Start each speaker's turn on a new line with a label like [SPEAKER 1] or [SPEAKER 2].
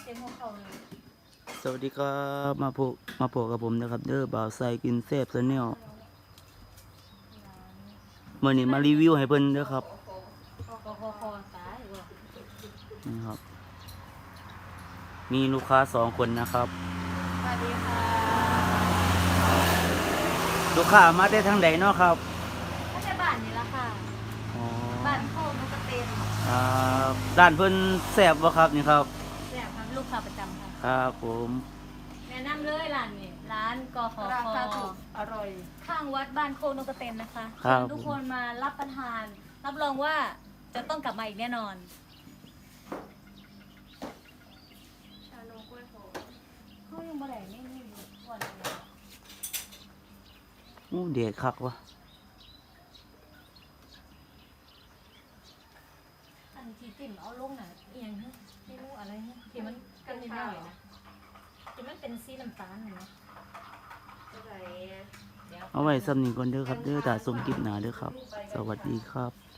[SPEAKER 1] ต็มหัวเข่าเลย
[SPEAKER 2] สวัสดีครับมาพบกับผมนะครับเด้อบ่าวไซกินแซ่บซะแนวมื้อนี้มารีวิวให้เพิ่นเด้อครับ
[SPEAKER 1] คอตายว่ะ
[SPEAKER 2] นี่ครับ มีลูกค้า2 คนนะครับ
[SPEAKER 1] สวัสดีค่ะ
[SPEAKER 2] ลูกค้ามาได้ทางใดเนาะครับ
[SPEAKER 1] ถ้าจะบ้านนี่ละค่ะ
[SPEAKER 2] อ๋อ
[SPEAKER 1] บ้านโคกนกกระเตน
[SPEAKER 2] ร้านเพิ่นแซ่บบ่ครับนี่ครับ
[SPEAKER 1] แซ่บครับลูกค้าประจำค่ะ
[SPEAKER 2] ครับผม
[SPEAKER 1] แนะนำเลยร้านนี้ร้านกข
[SPEAKER 3] รา
[SPEAKER 1] ค
[SPEAKER 3] คาถูกอร่อย
[SPEAKER 1] ข้างวัดบ้านโคกนกกระเตนนะคะ
[SPEAKER 2] ครับ
[SPEAKER 1] เชิญทุกคนมารับประทาน รับรองว่าจะต้องกลับมาอีกแน่นอน
[SPEAKER 3] ชานมกล้วยหอม
[SPEAKER 1] เขายังบ่ได้ไม่อยู่ก่อนเลย
[SPEAKER 2] อู้เด็ดคักวะ
[SPEAKER 1] อันที่ติ่มเอาลงน่ะเอียงฮะที่มูอะไรฮะที่มันกันนิดหน่อยนะที่มันเป็นสีน้ำตาลน่ะนะ
[SPEAKER 3] อะไร
[SPEAKER 1] เดี๋ยว
[SPEAKER 2] เอาไว้ซ้ำนี้ก่อนเด้อครับเด้อถ้าชมคลิปหน้าเด้อครับ สวัสดีครับ